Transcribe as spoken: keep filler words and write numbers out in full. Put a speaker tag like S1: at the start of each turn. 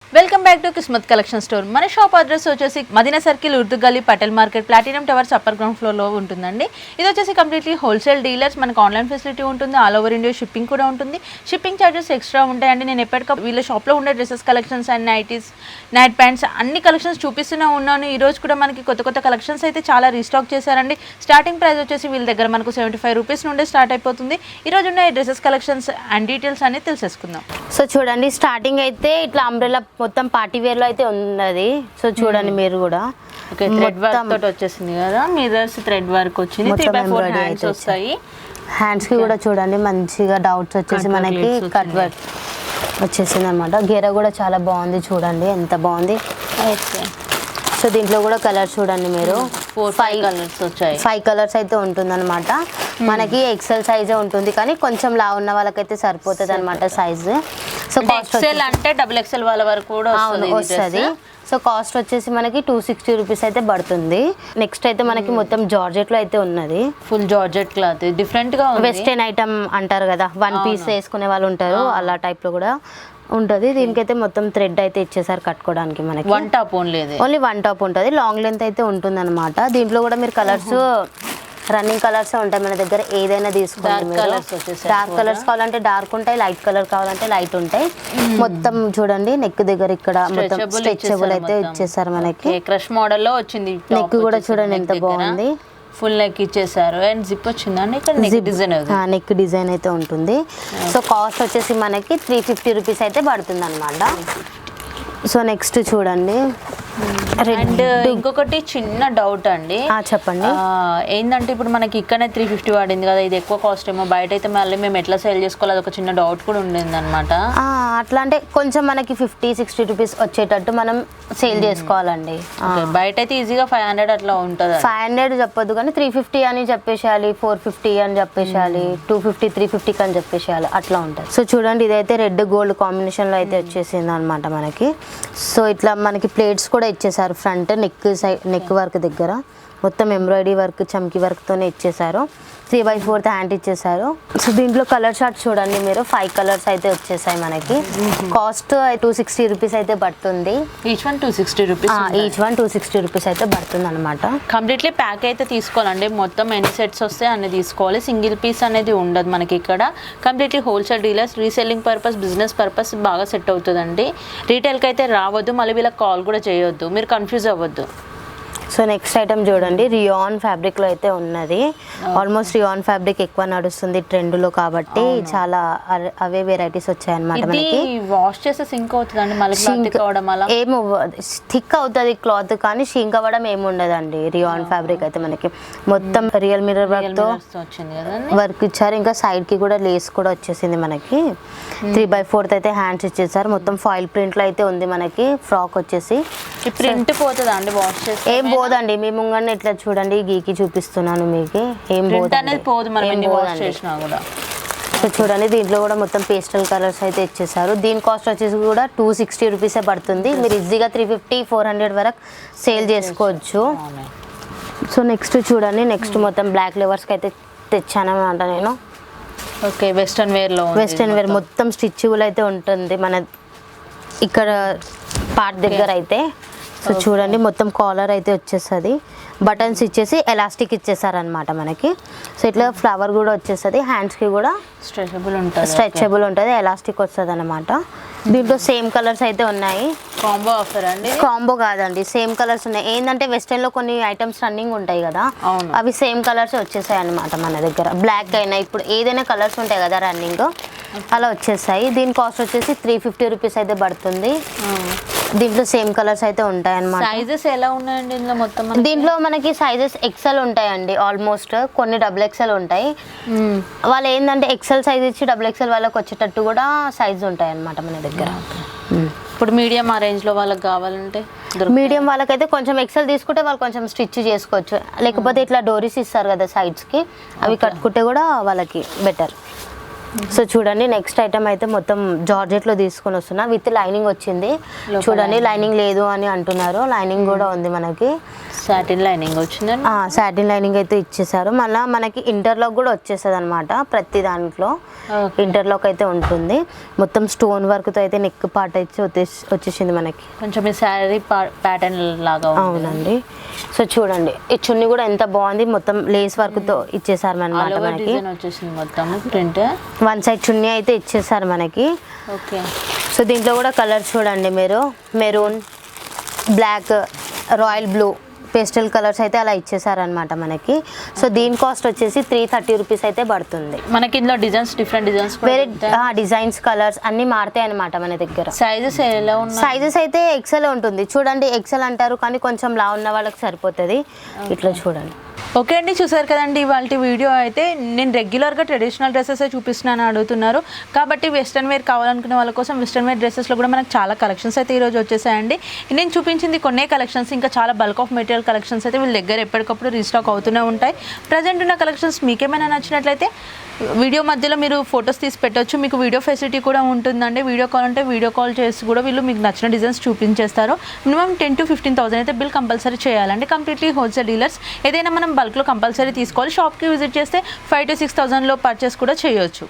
S1: Welcome back to Kismat collection store. మన shop address వచ్చేసి Madina circle, Urdu Gali, Patel market, platinum towers upper ground ఫ్లోర్లో ఉంటుందండి. ఇది వచ్చేసి కంప్లీట్లీ హోల్సేల్ డీలర్స్. మనకు ఆన్లైన్ ఫెసిలిటీ ఉంటుంది, ఆల్ ఓవర్ ఇండియా షిప్పింగ్ కూడా ఉంటుంది. షిప్పింగ్ ఛార్జెస్ ఎక్స్ట్రా ఉంటాయండి. నేను ఎప్పటికప్పుడు వీళ్ళ షాప్లో ఉండే dresses collections and nighties, night pants అన్ని కలెక్షన్స్ చూపిస్తూనే ఉన్నాను. ఈ రోజు కూడా మనకి కొత్త కొత్త కలెక్షన్స్ అయితే చాలా రీస్టాక్ చేశారండి. స్టార్టింగ్ ప్రైస్ వచ్చేసి వీళ్ళ దగ్గర మనకు సెవెంటీ ఫైవ్ రూపీస్ నుండే స్టార్ట్ అయిపోతుంది. ఈ రోజు ఉన్న డ్రెస్సెస్ కలెక్షన్స్ అండ్ డీటెయిల్స్ అన్ని తెలిసేసుకుందాం.
S2: సో చూడండి, స్టార్టింగ్ అయితే ఇట్లా అంబ్రెల్లా మొత్తం పార్టీ వేర్ లో అయితే ఉన్నది. సో చూడండి మీరు కూడా
S1: థ్రెడ్ వర్క్ తోటి వచ్చేసింది కదా, మిర్రర్స్ థ్రెడ్ వర్క్ వచ్చింది. త్రీ బై ఫోర్ హ్యాండ్స్ వస్తాయి.
S2: హ్యాండ్స్ కి కూడా చూడండి మంచిగా డౌట్స్ వచ్చేసి మనకి కట్ వర్క్ వచ్చేసింది అనమాట. గెర కూడా చాలా బాగుంది, చూడండి ఎంత బాగుంది. సో దీంట్లో కూడా కలర్స్ చూడండి మీరు,
S1: ఫైవ్ కలర్స్ వచ్చాయి.
S2: ఫైవ్ కలర్స్ అయితే ఉంటుంది అనమాట. మనకి ఎక్సెల్ సైజే ఉంటుంది, కానీ కొంచెం లా ఉన్న వాళ్ళకైతే సరిపోతుంది అనమాట సైజు. సో
S1: ఎక్సెల్ అంటే డబుల్ ఎక్సెల్ వాళ్ళ వరకు కూడా
S2: వస్తుంది. సో కాస్ట్ వచ్చేసి మనకి టూ సిక్స్టీ రూపీస్ అయితే పడుతుంది. నెక్స్ట్ అయితే మనకి మొత్తం జార్జెట్ లో అయితే ఉన్నది,
S1: ఫుల్ జార్జెట్ క్లాత్, డిఫరెంట్ గా
S2: వెస్టర్న్ ఐటమ్ అంటారు కదా, వన్ పీస్ వేసుకునే వాళ్ళు ఉంటారు, అలా టైప్ లో కూడా ఉంటుంది. దీనికైతే మొత్తం థ్రెడ్ అయితే ఇచ్చేసారు కట్టుకోవడానికి. మనకి
S1: one top only
S2: only one top ఉంటుంది, లాంగ్ లెంత్ అయితే ఉంటుంది అనమాట. దీంట్లో కూడా మీరు కలర్స్ రన్నింగ్ కలర్స్ ఉంటాయి మన దగ్గర, ఏదైనా తీసుకోండి. డార్క్ కలర్స్ కావాలంటే డార్క్ ఉంటాయి, లైట్ కలర్ కావాలంటే లైట్ ఉంటాయి. మొత్తం చూడండి నెక్ దగ్గర ఇక్కడ మొత్తం స్ట్రెచబుల్ అయితే ఇచ్చేసారు మనకి.
S1: క్రష్ మోడల్ లో వచ్చింది.
S2: నెక్ కూడా చూడండి ఎంత బాగుంది,
S1: ఫుల్ నెక్ ఇచ్చేసారు. అండ్ జిప్ వచ్చిందండి, ఇక్కడ నెక్ డిజైన్
S2: నెక్ డిజైన్ అయితే ఉంటుంది. సో కాస్ట్ వచ్చేసి మనకి త్రీ ఫిఫ్టీ రూపీస్ అయితే పడుతుంది అనమాట. సో నెక్స్ట్ చూడండి,
S1: అండ్ ఇంకొకటి చిన్న డౌట్ అండి,
S2: చెప్పండి.
S1: ఏంటంటే ఇప్పుడు మనకి ఇక్కడనే త్రీ ఫిఫ్టీ పడింది కదా, ఇది ఎక్కువ కాస్ట్ ఏమో, బయట అయితే మళ్ళీ మేము ఎట్లా సేల్ చేసుకోవాలి అది ఒక చిన్న డౌట్ కూడా ఉండేది అనమాట.
S2: అట్లా అంటే కొంచెం మనకి ఫిఫ్టీ సిక్స్టీ రూపీస్ వచ్చేటట్టు మనం సేల్ చేసుకోవాలండి.
S1: బయట అయితే ఈజీగా ఫైవ్ హండ్రెడ్ అట్లా ఉంటుంది.
S2: ఫైవ్ హండ్రెడ్ చెప్పొద్దు, కానీ త్రీ ఫిఫ్టీ అని చెప్పేసేయాలి, ఫోర్ ఫిఫ్టీ అని చెప్పేసేయాలి, టూ ఫిఫ్టీ త్రీ ఫిఫ్టీకి అని చెప్పేసేయాలి, అట్లా ఉంటుంది. సో చూడండి, ఇదైతే రెడ్ గోల్డ్ కాంబినేషన్లో అయితే వచ్చేసింది అనమాట మనకి. సో ఇట్లా మనకి ప్లేట్స్ కూడా ఇచ్చేసారు, front neck side neck work దగ్గర మొత్తం ఎంబ్రాయిడరీ వర్క్, చమ్కీ వర్క్తోనే ఇచ్చేసారు. త్రీ బై ఫోర్త్ హ్యాండ్ ఇచ్చేసారు. సో దీంట్లో కలర్ షార్ట్ చూడండి మీరు, ఫైవ్ కలర్స్ అయితే వచ్చేసాయి మనకి. కాస్ట్ టూ సిక్స్టీ రూపీస్ అయితే పడుతుంది.
S1: Each one two sixty rupees
S2: each one two sixty rupees అయితే పడుతుంది అనమాట.
S1: కంప్లీట్లీ ప్యాక్ అయితే తీసుకోవాలండి, మొత్తం ఎన్ని సెట్స్ వస్తే అన్ని తీసుకోవాలి. సింగిల్ పీస్ అనేది ఉండదు మనకి ఇక్కడ. Completely wholesale dealers, reselling purpose, business purpose బాగా సెట్ అవుతుందండి. రీటైల్కి అయితే రావద్దు, మళ్ళీ వీళ్ళకి కాల్ కూడా చేయొద్దు, మీరు కన్ఫ్యూజ్ అవ్వద్దు.
S2: సో నెక్స్ట్ ఐటమ్ చూడండి, రియాన్ ఫ్యాబ్రిక్ లో అయితే ఉన్నది. ఆల్మోస్ట్ రియాన్ ఫ్యాబ్రిక్ ఎక్కువ నడుస్తుంది ట్రెండ్ లో, కాబట్టి చాలా అవే వెరైటీస్ వచ్చాయన్నమాట మనకి.
S1: వాష్ చేస్తే సింక్ అవుతుందండి, మళ్ళీ
S2: ఏమో థిక్ అవుతుంది క్లాత్, కానీ షింక్ అవ్వడం ఏమి ఉండదండి. రియాన్ ఫ్యాబ్రిక్ అయితే మనకి మొత్తం రియల్ మిర్రర్ వర్క్ తో వర్క్ ఇచ్చారు. ఇంకా సైడ్ కి కూడా లేస్ కూడా వచ్చేసింది మనకి. త్రీ బై ఫోర్త్ అయితే హ్యాండ్స్ ఇచ్చేసారు. మొత్తం ఫాయిల్ ప్రింట్ లో అయితే ఉంది మనకి. ఫ్రాక్ వచ్చేసి
S1: ప్రింట్ పోతుందా అండి వాష్ చేస్తే?
S2: ఏం పోదండి, మీ ముంగనే ఇట్లా చూడండి, గీకి చూపిస్తున్నాను మీకు. ఏం
S1: పోదు.
S2: సో చూడండి, దీంట్లో కూడా మొత్తం పేస్టల్ కలర్స్ అయితే ఇచ్చేసారు. దీని కాస్ట్ వచ్చేసి కూడా టూ సిక్స్టీ రూపీసే పడుతుంది. మీరు ఈజీగా త్రీ ఫిఫ్టీ ఫోర్ హండ్రెడ్ వరకు సేల్ చేసుకోవచ్చు. సో నెక్స్ట్ చూడండి, నెక్స్ట్ మొత్తం బ్లాక్ లెవర్స్కి అయితే తెచ్చాను అనమాట నేను.
S1: ఓకే, వెస్టర్న్ వేర్లో
S2: వెస్టర్న్ వేర్ మొత్తం స్టిచ్బుల్ అయితే ఉంటుంది మన ఇక్కడ పార్ట్ దగ్గర అయితే. సో చూడండి, మొత్తం కాలర్ అయితే వచ్చేస్తుంది, బటన్స్ ఇచ్చేసి ఎలాస్టిక్ ఇచ్చేసారనమాట మనకి. సో ఇట్లా ఫ్లవర్ కూడా వచ్చేస్తుంది, హ్యాండ్స్కి కూడా
S1: స్ట్రెచబుల్ ఉంటుంది,
S2: స్ట్రెచబుల్ ఉంటుంది, ఎలాస్టిక్ వస్తుంది అనమాట. దీంట్లో సేమ్ కలర్స్ అయితే ఉన్నాయి.
S1: కాంబో ఆఫర్ అండి?
S2: కాంబో కాదండి, సేమ్ కలర్స్ ఉన్నాయి. ఏంటంటే వెస్టర్న్ లో కొన్ని ఐటమ్స్ రన్నింగ్ ఉంటాయి కదా, అవి సేమ్ కలర్స్ వచ్చేసాయి అనమాట మన దగ్గర. బ్లాక్ అయినా ఇప్పుడు ఏదైనా కలర్స్ ఉంటాయి కదా రన్నింగ్, అలా వచ్చేసాయి. దీని కాస్ట్ వచ్చేసి త్రీ ఫిఫ్టీ రూపీస్ అయితే పడుతుంది. దీంట్లో సేమ్ కలర్స్ అయితే ఉంటాయి అన్నమాట.
S1: సైజెస్ ఎలా ఉన్నాయండి ఇందులో? మొత్తం
S2: దీంట్లో మనకి సైజెస్ ఎక్సెల్ ఉంటాయండి, ఆల్మోస్ట్ కొన్ని డబుల్ ఎక్సెల్ ఉంటాయి. వాళ్ళు ఏంటంటే ఎక్సెల్ సైజ్ ఇచ్చి డబుల్ ఎక్సెల్ వాళ్ళకి వచ్చేటట్టు కూడా సైజ్ ఉంటాయి అన్నమాట మన దగ్గర.
S1: ఇప్పుడు మీడియం ఆ రేంజ్ లో వాళ్ళకి కావాలంటే,
S2: మీడియం వాళ్ళకైతే కొంచెం ఎక్సెల్ తీసుకుంటే వాళ్ళు కొంచెం స్టిచ్ చేసుకోవచ్చు, లేకపోతే ఇట్లా డోరీస్ ఇస్తారు కదా సైడ్స్ కి, అవి కట్టుకుంటే కూడా వాళ్ళకి బెటర్. సో చూడండి నెక్స్ట్ ఐటమ్ అయితే మొత్తం జార్జెట్లో తీసుకొని వస్తున్నా విత్ లైనింగ్ వచ్చింది. చూడండి లైనింగ్ లేదు అని అంటున్నారు, లైనింగ్ కూడా ఉంది మనకి.
S1: సాటిన్ లైనింగ్ వచ్చిందండి.
S2: సాటిన్ లైనింగ్ అయితే ఇచ్చేసారు. మళ్ళీ మనకి ఇంటర్లాక్ కూడా వచ్చేస్తుంది అనమాట ప్రతి దాంట్లో. ఇంటర్లాక్ అయితే ఉంటుంది. మొత్తం స్టోన్ వర్క్తో అయితే నెక్ పార్ట్ అయితే వచ్చేసి వచ్చేసింది మనకి.
S1: కొంచెం ఈ శారీ ప్యాటర్న్ లాగా.
S2: అవునండి. సో చూడండి ఈ చున్నీ కూడా ఎంత బాగుంది, మొత్తం లేస్ వర్క్తో ఇచ్చేసారు అనమాట మనకి.
S1: వచ్చేసింది మొత్తం ప్రింట్.
S2: వన్ సైడ్ చున్నీ అయితే ఇచ్చేసారు మనకి.
S1: ఓకే.
S2: సో దీంట్లో కూడా కలర్స్ చూడండి మీరు, maroon, black, royal blue, pastel colours అయితే అలా ఇచ్చేసారనమాట మనకి. సో దీని కాస్ట్ వచ్చేసి త్రీ థర్టీ రూపీస్ అయితే పడుతుంది
S1: మనకి. ఇందులో డిజైన్స్ డిఫరెంట్ డిజైన్స్
S2: వేరే డిజైన్స్ కలర్స్ అన్ని మారుతాయి అనమాట మన దగ్గర.
S1: సైజెస్ ఎలా ఉన్నాయి?
S2: సైజెస్ అయితే ఎక్సెల్ ఉంటుంది చూడండి. ఎక్సెల్ అంటారు కానీ కొంచెం లా ఉన్న వాళ్ళకి సరిపోతుంది. ఇట్లా చూడండి.
S1: ఓకే అండి, చూసారు కదండి ఇవాళ వీడియో అయితే. నేను రెగ్యులర్గా ట్రెడిషనల్ డ్రెస్సెస్ చూపిస్తున్నాను అడుగుతున్నారు కాబట్టి వెస్ట్రన్ వేర్ కావాలనుకునే వాళ్ళ కోసం వెస్ట్రన్ వేర్ డ్రెస్సెస్లో కూడా మనకు చాలా కలెక్షన్స్ అయితే ఈరోజు వచ్చేసాయండి. నేను చూపించింది కొన్నే కలెక్షన్స్, ఇంకా చాలా బల్క్ ఆఫ్ మెటీరియల్ కలెక్షన్స్ అయితే వీళ్ళ దగ్గర ఎప్పటికప్పుడు రీస్టాక్ అవుతూనే ఉంటాయి. ప్రజెంట్ ఉన్న కలెక్షన్స్ మీకేమైనా నచ్చినట్లయితే వీడియో మధ్యలో మీరు ఫొటోస్ తీసి పెట్టవచ్చు. మీకు వీడియో ఫెసిలిటీ కూడా ఉంటుందండి. వీడియో కాల్ అంటే వీడియో కాల్ చేసి కూడా వీళ్ళు మీకు నచ్చిన డిజైన్స్ చూపించేస్తారు. Minimum ten to fifteen thousand అయితే బిల్ కంపల్సరీ చేయాలండి. Completely wholesale dealers. ఏదైనా మనం బల్క్లో కంపల్సరీ తీసుకోవాలి. షాప్కి విజిట్ చేస్తే ఫైవ్ టు సిక్స్ థౌసండ్లో పర్చేస్ కూడా చేయొచ్చు.